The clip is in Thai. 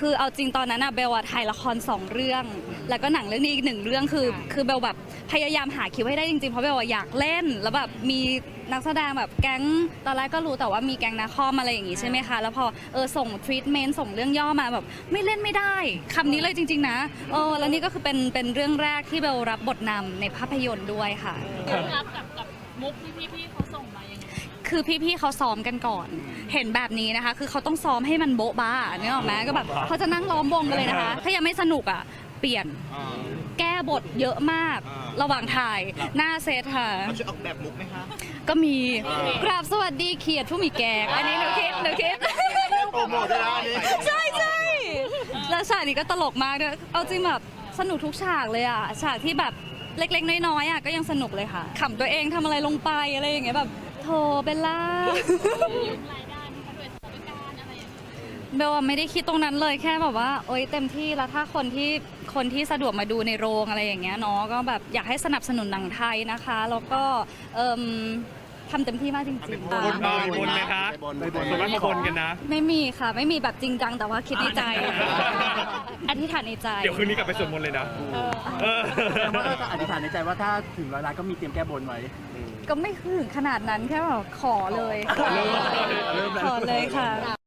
คือเอาจริงตอนนั้นอะเบลอะถ่ายละคร2เรื่องแล้วก็หนังเรื่องนี้อีก1เรื่องคือเบลแบบพยายามหาคิวให้ได้จริงๆเพราะเบลอยากเล่นแล้วแบบมีนักแสดงแบบแก๊งตอนแรกก็รู้แต่ว่ามีแก๊งนาคอมอะไรอย่างงี้ใช่ไหมคะแล้วพอส่งทรีทเมนต์ส่งเรื่องย่อมาแบบไม่เล่นไม่ได้คำนี้เลยจริงๆนะแล้วนี่ก็คือเป็นเรื่องแรกที่เบลรับบทนำในภาพยนตร์ด้วยค่ะรับกับมุกที่พี่ๆเขาส่งมายังไงคือพี่ๆเขาซ้อมกันก่อน เห็นแบบนี้นะคะ คือเขาต้องซ้อมให้มันโบ๊ะบ้านึกออกไหมก็แบบเขาจะนั่งล้อมวงกันเลยนะคะ ถ้ายังไม่สนุกอ่ะ เปลี่ยน แก้บทเยอะมาก ระหว่างถ่ายหน้าเซตค่ะมันจะออกแบบมุกไหมคะก็มีกราบสวัสดีเขียดผู้มีแกงอันนี้หนูคิดโปรโมทด้วยนะนี่ใช่แล้วฉากนี้ก็ตลกมากด้วยเอาจริงแบบสนุกทุกฉากเลยอ่ะ ฉากที่แบบเล็กๆน้อยๆอ่ะก็ยังสนุกเลยค่ะขำตัวเองทำอะไรลงไปอะไรอย่างเงี้ยแบบโธ่เบลล่ายุ่งรายได้นะคะด้วยสถานการณ์อะไรอย่างเงี้ยเบลไม่ได้คิดตรงนั้นเลยแค่แบบว่าโอ๊ยเต็มที่แล้วถ้าคนที่สะดวกมาดูในโรงอะไรอย่างเงี้ยเนาะก็แบบอยากให้สนับสนุนหนังไทยนะคะแล้วก็ทำเต็มที่มากจริงๆบนไหมคะส่วนมากมาบนกันนะไม่มีค่ะไม่มีแบบจริงจังแต่ว่าคิดในใจอธิษฐานในใจเดี๋ยวคืนนี้กลับไปสวดมนต์เลยนะแต่ว่าก็อธิษฐานในใจว่าถ้าถึง100 ล้านก็มีเตรียมแก้บนไว้ก็ไม่ถึงขนาดนั้นแค่แบบขอเลยขอเลยค่ะ